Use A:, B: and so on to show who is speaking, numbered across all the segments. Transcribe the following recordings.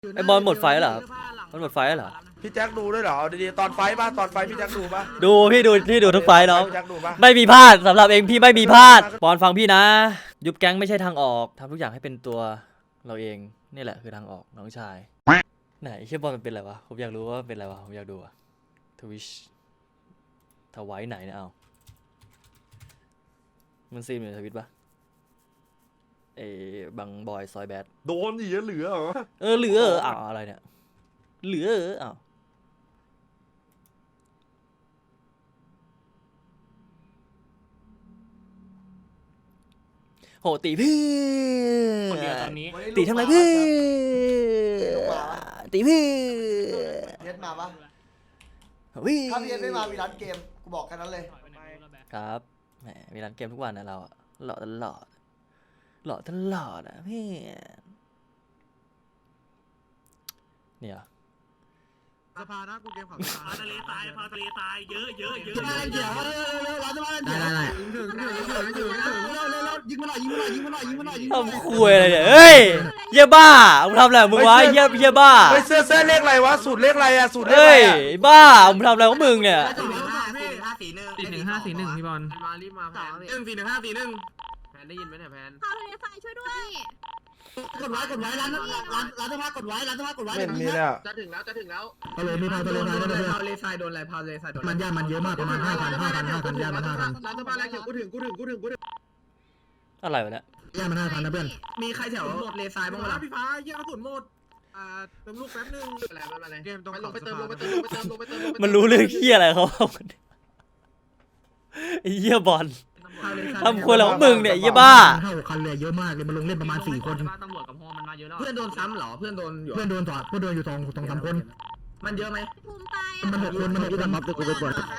A: ไอบอลหมดไฟเหรอมันหมดไฟเหรอ
B: พี่แจ็คดูด้วยเหรอดีๆตอนไฟป่ะตอนไฟพี่แจ็คดูป่ะ
A: ดูพี่ดูทุกไฟน้อง
B: พี่แจ็คดูป่ะ
A: ไม่มีพลาดสำหรับเองพี่ไม่มีพลาดบอลฟังพี่นะยุบแก๊งไม่ใช่ทางออกทำทุกอย่างให้เป็นตัวเราเองนี่แหละคือทางออกน้องชายไหนเชื่อบอลมันเป็นอะไรวะผมอยากรู้ว่าเป็นอะไรวะผมอยากดูอะทวิชทวายไหนเนี่ยเอามันซีมอยู่ทวิตปะบังบอยซอยแบด
B: โดนอีกเหลือเหรอ
A: เหลืออ้าวอะไรเนี่ยเหลืออ้าวโหตีพี่ตีทำไรพี่ตีพี่
C: เย็ดมาปะ
A: วิ่ง
C: ถ้าพี่เย็ดไม่มามีร้านเกมกูบอกแค่นั้นเลย
A: ครับแหมมีร้านเกมทุกวันนะเราหล่อตลอดอ่ะพี่เนี่ย
D: สภานะกูเกมของสภาทะเลทรายเยอะเยอะ
A: ทำคุยอะไรเนี่ยเฮ้ยเยี่ยบ้ามึงทำอะไรมึงวะเยี่ยบ้า
B: เฮ้ยเสื้อเลขอะไรวะสูตรเลขอะไรอะสูตรเลขอะ
A: เฮ้ยบ้ามึงทำอะไรของมึงเนี่ย
D: 4-1-5-4-1พี่บอลมารีบมาแพน4-1-5-4-1แพนได้ยินไหมเนี่ยแพน
E: พาทะเลทรายช่วยด้วย
C: กดไว้ร้านสภากดไว้
B: ไม่มีเลยอะ
D: จะถึงแล้ว
C: ทะเลมีพาทะเลทรายด้วย
D: พาทะเลทรายโดนอะไรพาทะเลทรายโดน
C: มันย่ามันเยอะมากประมาณ5,000ย่ามัน5,000
D: ร้านสภาแล้วเขียวกูถึง
A: อะไรวะเนี่ย
C: ย่ามัน5,000นะเพื่อน
D: มีใครแถวทะเลทรายบ้างไหมพี่ฟ้าเยี่ยกระสุนหมดเติมลูกแป๊บนึงอะไรเกมต้องลงไปเติม
A: มันรู้เรื่องเฮียอะไรเขาไอ้เหี้ยบอลทำคนเหล่ามึงเนี่ยเหี้ยบ้า
C: 5-6 คันเลยเยอะมากเลยมันลงเล่นประมาณ4 คน
D: ตำรวจกับฮอมันมาเยอะแล้วเพื่อนโดนซ้ำเหรอเพื่อนโดนอยู่
C: 2-3 คน
D: มันเยอะไหม
E: ภูมิตาย
C: มัน6 คนมัน6 คน
D: ยื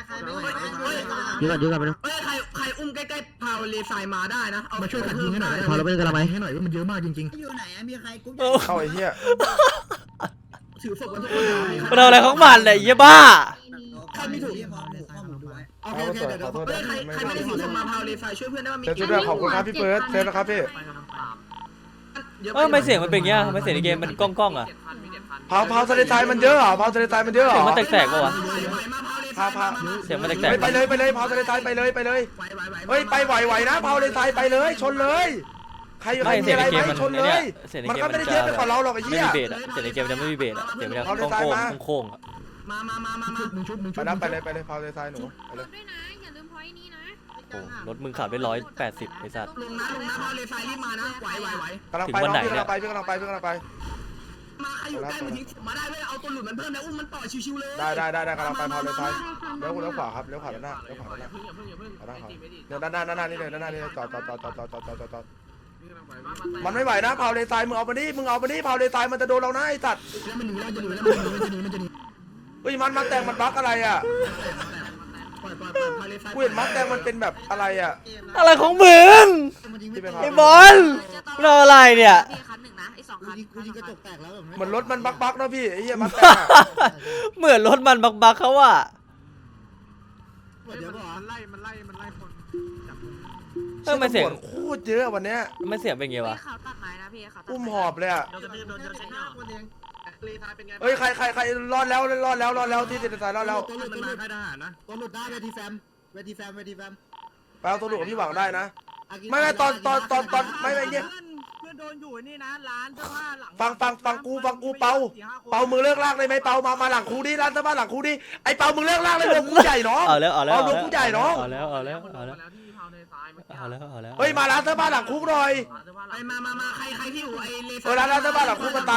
D: นกันไปดูใครอุ้มใกล้ๆพาเลทรายมาได้นะเอา
C: มาช่วยกันยิงให้หน่อยพอเราไปกันละไหมให้หน่อยว่ามันเยอะมากจริงๆ
F: อยู่ไหนมีใครกุ๊ก
B: เข้าไอ้เหี้ย
D: ถือศพกันทุกคน
A: มันเอาอะไรของมันเนี่ยเหี้ยบ้า
D: ใครไม่ถูกโอเคเดี๋ยวใครไม่ได้ถือศพมาพาเลทรายช่วยเพื่อนได้ว่ามี
B: ช่วยด้วยขอบคุณครับพี่เฟิร์สเซฟนะครับพี่
A: ไม่เสียงมันเป็นเงี้ยไม่เสียงในเกมมันก้องอ่ะ
B: เผาทะเลทรายมันเยอะเหรอเผาทะเลทรายมันเยอะเหรอ
A: เสียงมันแตกๆป่ะวะ
B: พา
A: เสียงมันแตกๆ
B: ไปเลยเผาทะเลทรายไปเลยเฮ้ยไปไหวนะเผาทะเลทรายไปเลยชนเลยใครมีอะไรไหมชนเลยมันก็ไม่ได้เยอะไปกว่าเราหรอกไอ้เหี้ย
A: ไม่มีเบสเสียงในเกมจะไม่มีเบสเสียงมันจะโค้ง
D: มา
B: ไปเลยเผาทะเลทรายหนูไปเลย
E: ด้วยนะอย่าลืมพอยนี้นะ
A: โอ้รถมึงขับได้180ไอ้สัตว์
D: ลงนะพาเลทรายรีบมานะไหว
B: กำลังไปพี่กำลังไป
D: มาใครอยู่ใกล้มาทิ้งมาได้เว้ยเอาตัวหลุดมันเพิ่มแล้วอุ้มมันต่อชิวๆเลย
B: ได้กำลังไปเผาทะเลทรายเลี้ยวขวาครับเลี้ยวขวาด้านหน้าด้านหน้านี่เลยด้านหน้านี่จอดมันไม่ไหวนะเผาทะเลทรายมึงเอาไปนี่เผาทะเลทรายมันจะโดนเรานะไอ้สัตว์เฮ้ยมันแต่งมันบั๊กอะไรอ่ะกูเห็นมัดแดงมันเป็นแบบอะไรอ่ะ
A: อะไรของมึงไอ้บอลเราอะไรเนี่ย
B: เหมือนรถมันบักนะพี่ไอ้เหี้ยมัดแดง
A: เหมือนรถมันบักเขาว่า
D: มันไล่คน
A: ไม่เสียง
B: โคตรเยอะวันเนี้ย
A: ไม่เสียงเป็นไงวะ
B: อุ้มหอบเลยอ่ะเฮ้ยใครรอดแล้วที่ติดสายรอดแล้ว
C: ตัวหลุดมันมาค่ายทหารนะตัวหลุดได้เวทีแฟม
B: ไปเอาตัวหลุดกับพี่หวังได้นะไม่ตอนไม่เนี่ย
D: เพื่อนโดนอยู่นี่นะร้านเสื้อผ้าหลัง
B: ฟังกูเปามือเลิกลากเลยไหมเปามาหลังคูดิร้านเสื้อผ้าหลังคูดิไอเปามือเลิกลากเลยลงกูใหญ่น้อง
A: เอาแล้ว
B: ลงกูใหญ่น้อง
A: เอาแล้ว
B: เฮ้ยมาร้านเสื้อผ้าหลังคุกหน่อย
D: ไปมาใครที่อยู่ไอเล
B: เออร้านเสื้อผ้าหลังคุกมันตาย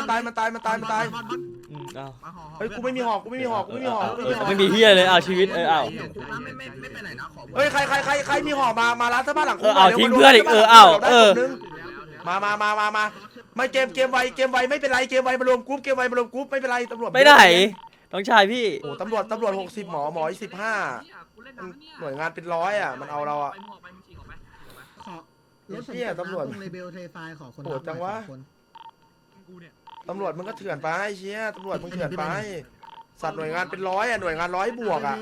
B: เฮ้ยกูไม่มีหอก
A: ไม่มีเฮียเลยเอาชีวิตเอา
D: ไม่ไปไหนนะขอ
B: เฮ้ยใครมีหอกมาร้านเสื้อผ้าหลังคุก
A: เอาทิ้งเพื่อนอีก
B: มาไม่เกมไวไม่เป็นไรเกมไวมารวมกรุ๊ปไม่เป็นไรตำรวจ
A: ไปไหนน้องชายพี่
B: โอ้ตำรวจ60หมอ15หน่วยงานเป็น100อ่ะมันเอาเราอ่ะเหี้ยตำรวจ
C: เลเบลเทไฟขอคน
B: โหดจังวะตำรวจมึงก็เถื่อนไปเชี่ยตำรวจมึงเถื่อนไปสัตว์หน่วยงานเป็น100อ่ะหน่วยงาน100 บวกอ่ะ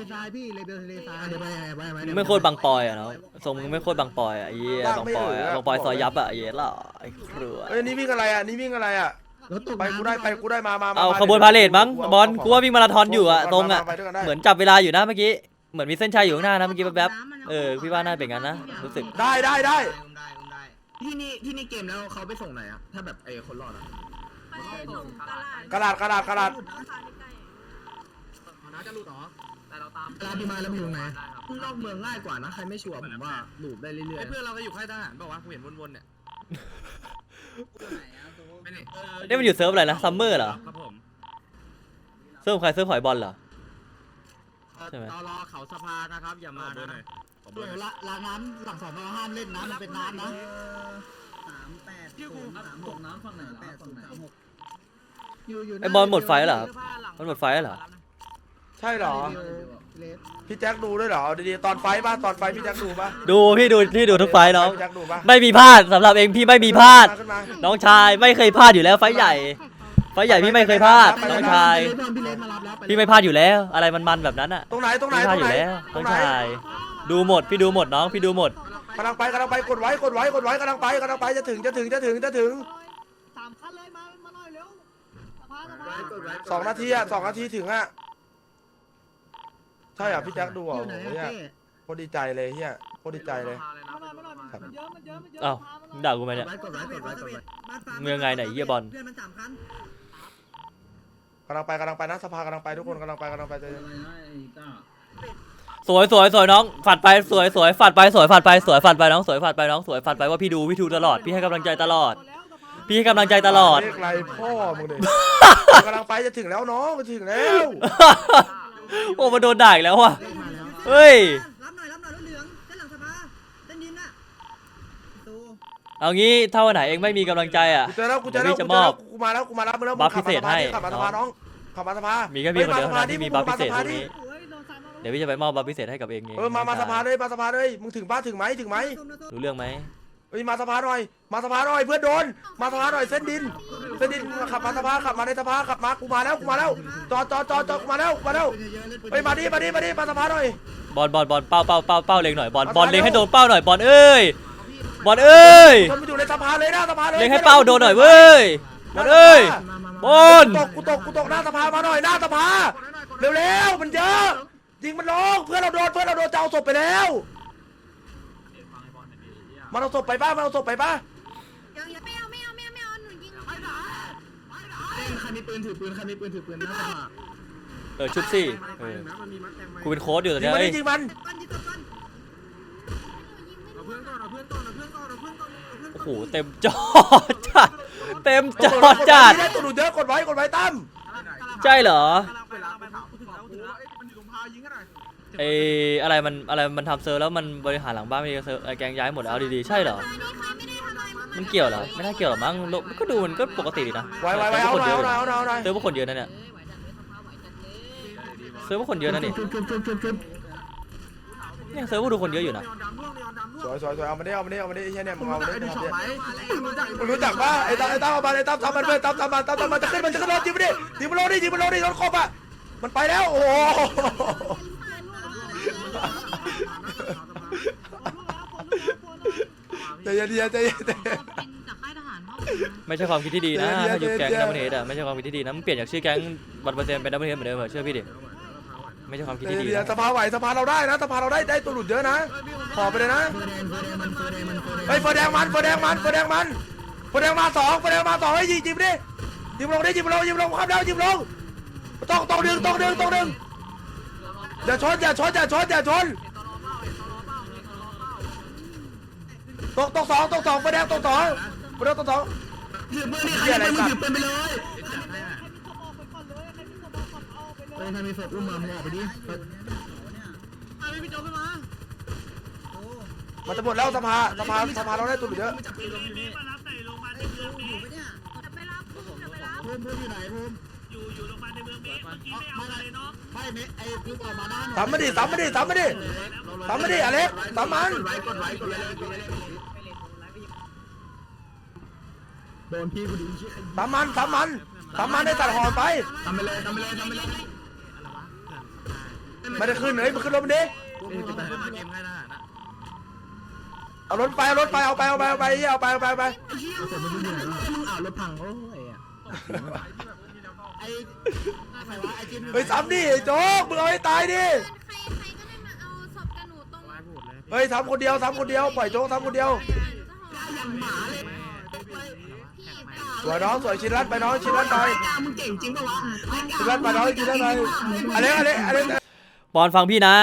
A: ไม่โคตรบังปอยอ่ะเนาะทรงมึงไม่โคตรบังปอยอ่ะไอ้เหี้ยบังปอยซอยยับอ่ะไอ้เหี้ยล่ะไอ้ครัว
B: เอ้ยนี่วิ่งอะไรอ่ะไปกูได้มา
A: เอาขบวนพาเลทมั้งบอลกูว่าวิ่งมาราธอนอยู่อะตรงอะเหมือนจับเวลาอยู่นะเมื่อกี้เหมือนมีเส้นชัยอยู่ข้างหน้านะเมื่อกี้แป๊บๆพี่ว่าน่าเป็นงั้นนะรู้สึก
B: ได้
C: ที่นี่เกมแล้วเขาไปส่งไหนอะถ้าแบบคนรอดอะ
E: ไปส่งตลาด
B: กระดาษ
E: ราคาใกล้
D: น่าจะหลุดหรอแต่เราตาม
C: ลาพี่มาแล้วมึงอยู่ไหนนอกเมืองง่ายกว่านะใครไม่ชัวร์ผมว่าหลูบได้เรื่อย
D: เพื่อนเราก็อยู่ค่ายทหารบอกว่ากูเห็นวนๆเนี่ย
A: นี่มันอยู่เซิร์ฟอะไรนะซัมเมอร์เหรอ
D: ครับผม
A: เซิร์ฟใครเซิร์ฟหอยบอลเหรอ ใช่ไหม
D: ตลอเขาสภานะครับอย่ามานะ
C: ๆเดี๋ยวล้างน้ำหลังสอนห้ามเล่นน้ำมันเป็นน้ำนะ
A: ไอบอลหมดไฟแล้วเหรอมันหมดไฟแล้วเหรอ
B: ใช่เหรอพี่แจ็คดูด้วยเหรอดีๆตอนไฟป่ะตอนไฟพี่แจ็คดูป่ะ
A: ดูพี่ดูทุกไฟล์น้อง
B: พี่แจ็คดูป่ะ
A: ไม่มีพลาดสำหรับเองพี่ไม่มีพลาด
B: ขึ้นมา
A: น้องชายไม่เคยพลาดอยู่แล้วไฟล์ใหญ่พี่ไม่เคยพลาดน้องชาย
C: พี่เล่นมารับแล้ว
A: พี่ไม่พลาดอยู่แล้วอะไรมันแบบนั้นอ่ะ
B: ตรงไหน
A: พี่พลาดอยู่แล้ว
B: ตร
A: น้อง
B: งไหน
A: ชายดูหมดพี่ดูหมดน้องพี่ดูหมด
B: กำลังไปกดไว้กำลังไปจะถึง
C: 3 คันเลยมาหน่อยเร็วสภา
B: 2 นาทีอะ2 นาทีถึงอะใช่อ่ะพี่แจ็คดูอ่ะ
C: อยู่ไหน
B: โอ้โหเนี่ยโคตรดีใจเลยเฮียโคตรดีใจเลย
C: มาหน่อยมันเยอะ
A: อ้าวด่ากูไหมเนี่ย
C: กดไว้
A: มึงยังไงไหนเหี้ยบอล
C: เพื่อนมัน3 คัน
B: กำลังไปนะสภากำลังไปทุกคนกำลังไปเจอ
A: สวยน้องฝัดไปสวยฝัดไปน้องสวยฝัดไปน้องสวยฝัดไปว่าพี่ดูตลอดพี่ให้กำลังใจตลอด พี่ให้กำลังใจตลอด
B: เรียกไรพ่อมึงเลยกำลังไปจะถึงแล้วน้องจะถึงแล้ว
A: โอ้มาโดนด่าอีกแล้วว่ะเฮ้ย
C: รับหน่อยรถเหลืองเส้นหลังสภาเส้นดินน่ะตู้
A: เอางี้ถ้าวันไหนเองไม่มีกำลังใจอ่ะ
B: กูเจอแล้วกูมาแล้วมึงแล้ว
A: บัฟพิเศษให้
B: ขับมาสภาน้องขับมาสภา
A: มีแค่พี่คนเดียวเท่านั้นที่มีบัฟพิเศษตรงนี้
C: โอ้ยโดนซ้ำ
A: เดี๋ยวพี่จะไปมอบบัฟพิเศษให้กับเอง
B: มาสภาเลยมึงถึงป้าถึงไหม
A: รู้เรื่องไหม
B: เฮ้ยมาสภาหน่อยเพื่อนโดนมาสภาหน่อยเส้นดินขับมาสภาขับมาในสภาขับมากูมาแล้วจอดกูมาแล้วเฮ้ยมาดิมาสภาหน่อย
A: บอลเป้าเล็งหน่อยบอลเล็งให้โดนเป้าหน่อยบอลเอ้ย
B: ชนมันอยู่ในสภาเลยหน้าสภาเลย
A: เล็งให้เป้าโดนหน่อยเว้ยบอลเอ้ยบอล
B: กูตกหน้าสภามาหน่อยหน้าสภาเร็วมันเยอะยิงมันลงเพื่อนเราโดนจะเอาศพไปแล้วมันเอาศพไปป้า
E: ยังไม่เอาหนูยิง
C: ใครมีปืนถือปืนหน้าสภา
A: ชุบสิกูเป็นโค้ชอยู่ตอน
B: ยิง
A: นี้
B: มันยิงมัน
D: เอาเพื่อนก่อน
A: โอ้โหเต็มจอจัด
B: ได้ตัวหนูเยอะกดไว้ตั้ม
A: ใช่เหรอ
D: เวลาไปถึงแล้วมันอยู่ตรงพายิงกันหน่อย
A: อะไรมันทำเซิร์ฟแล้วมันบริหารหลังบ้านไม่ดีเซิร์ฟแกงย้ายหมดแล้วดีๆใช่เหรอ
E: นี่ใครไม่ได้ทำอะไรมึง
A: มันเกี่ยวเหรอไม่น่าเกี่ยวหรอมั้งมันก็ดูมันก็ปกติดีนะ
B: ไว้เอาหน่อย
A: เซิร์ฟพวกคนเยอะนะเนี่ยเซิร์ฟพวกคนเยอะนะนี่เนี่ยเซิร์ฟพวกดูคนเยอะอยู่นะ
B: สวยเอามาได้ไอ้เหี้ยเนี่ยมึงเอามาได้มึงรู้จักป่ะไอ้ตั้มเอามาไอ้ตั้มทำมันเลยตั้มมันจะขึ้นรถยิงมันลงดิรถครบอ่ะมันไปแล้วโอ้โหใจเย็น
A: ไม่ใช่ความคิดที่ดีนะถ้ายุบแก๊งดับเบิลเฮดอะไม่ใช่ความคิดที่ดีนะมึงเปลี่ยนจากชื่อแก๊ง100%เป็นดับเบิลเฮดเหมือนเดิมเหรอเชื่อพี่ดิไม่ใช่ความคิดที่ดีนะ
B: สภาไหวสภาเราได้นะสภาเราได้ตัวหลุดเยอะนะขอไปเลยนะเฮ้ยเฟอร์แดงมันมา2ให้ยิงดิยิงลงครับแล้วยิงลงต้องดึงอย่าชนตก2เฟอร์แดงตก2
C: ถือปืนนี่ใครถือปืนไปเลยถ้ามีศพอุ้มมามึงออกไปดิ
D: พี่โจขึ้นมา
B: มันจะหมดแล้วสภาเราได้ตัวหลุดเยอะ
E: จะไปรับภูมิ
C: ภูมิอยู่ไหนภูมิอยู่โรงพยาบาลในเมืองเมฆเมื่อกี้ไม่เอาเลยเนาะไม่เมฆไอ้ภูมิออกมาด้าน
B: ซ้ำมาดิอเล็กซ้ำมัน
C: กดไว้โดนพี่กูดิ
B: ซ้ำมันได้ตัดหอนไป
C: ทำไปเลย
B: ไม่ได้ขึ้นเลยมันขึ้นรถมันดิเอารถไปเอาไป
C: เอารถพังโอ้ยไอ้ใครวะไอ้จิม
B: เฮ้ยซ้ำดิไอ้โจ๊กมึงเอาให้ตายดิ
E: ใครก็ได้มาเอาศพกับหนูตรง
B: เฮ้ยซ้ำคนเดียวซ้ำคนเดียวปล่อยโจ๊กซ้ำคนเดียว
C: อย่างหมาเลย
B: สวยน้องสวยชินรัตไปน้องชินรัตไป
C: มึงเก่งจริงปะวะ
B: ชินรัตไปน้องชินรัตไปอะไร
A: ปอนฟังพี่นะ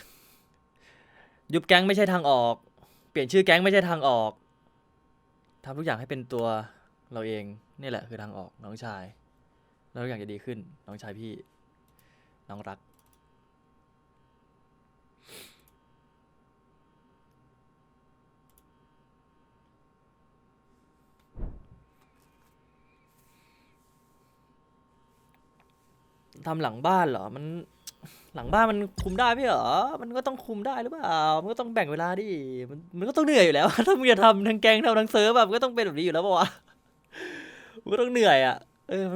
A: ยุบแก๊งไม่ใช่ทางออก เปลี่ยนชื่อแก๊งไม่ใช่ทางออกทำทุกอย่างให้เป็นตัวเราเองนี่แหละคือทางออกน้องชายแล้วทุกอย่างจะดีขึ้นน้องชายพี่น้องรักทำหลังบ้านเหรอมันหลังบ้านมันคุมได้ไม่เหรอมันก็ต้องคุมได้หรือเปล่ามันก็ต้องแบ่งเวลาดิมันก็ต้องเหนื่อยอยู่แล้ว ถ้ามึงจะทำทั้งแก๊งทำทั้งเซิร์ฟแบบมันก็ต้องเป็นแบบนี้อยู่แล้วป่าวะมันก็ต้องเหนื่อยอ่ะ